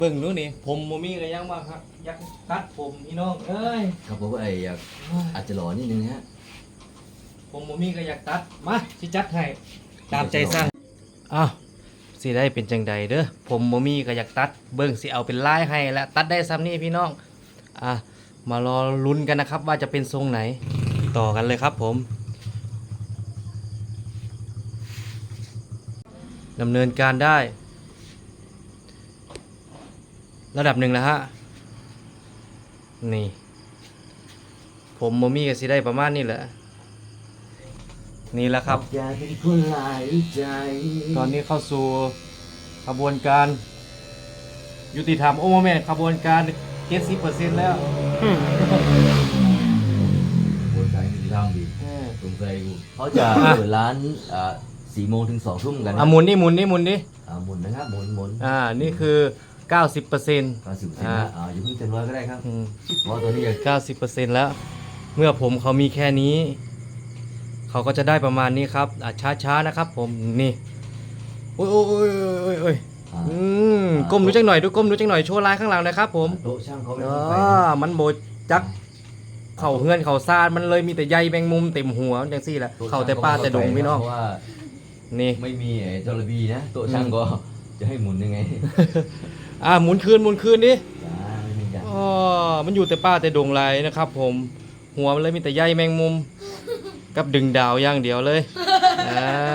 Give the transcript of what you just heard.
เบิ่งนู้นนี่ผมโมมี่ก็ยังว่าครับอยากตัดผมพี่น้องเอ้ยครับผมไอ้อยากอาจจะหล่อนิดนึงฮะผมโมมี่ก็อยากตัดมาสิจัดให้ตามใจสั่งอ้าวสิได้เป็นจังใดเด้อผมโมมี่ก็อยากตัดเบิ่งสิเอาเป็นลายให้แล้วตัดได้ซ้ำนี่พี่น้องมารอลุ้นกันนะครับว่าจะเป็นทรงไหนต่อกันเลยครับผมดำเนินการได้ระดับหนึ่งแล้วฮะนี่ผมโมมี่ก็สิได้ประมาณนี้แหละนี่แหละครับอยากเป็นคนหลายใจตอนนี้เข้าสู่ขบวนการยุติธรรมโอ้โมเมนต์ขบวนการ 70% แล้วบนใจไม่ได้ทำดีสงสัยกูเขาจะเปิดร้าน4 โมงถึง 2 ทุ่มกันนะหมุนนี่หมุนนี่หมุนนี่หมุนนะครับหมุนนี่คือ 90% 90%นะอย่าเพิ่งเต็มร้อยก็ได้ครับเพราะตัวนี้อยาก 90% แล้ว เมื่อผมเขามีแค่นี้ เขาก็จะได้ประมาณนี้ครับช้าๆนะครับผมนี่โอ้ยก้มดูจังหน่อยดูก้มดูจังหน่อยโชว์ลายข้างหลังนะครับผมโต๊ะช่างเขาไม่ต้องไปมันโบจักเข่าเฮือนเข่าซาดมันเลยมีแต่ใยแมงมุมเต็มหัวจังซี่แหละเข่าแต่ป้าแต่ดงพี่น้องเพราะว่านี่ไม่มีจระบีนะโต๊ะช่างก็จะให้หมุนยังไงหมุนคืนดิไม่มีอย่างมันอยู่แต่ป้าแต่ดงไรนะครับผมหัวมันเลยมีแต่ใยแมงมุมกับดึงดาวอย่างเดียวเลย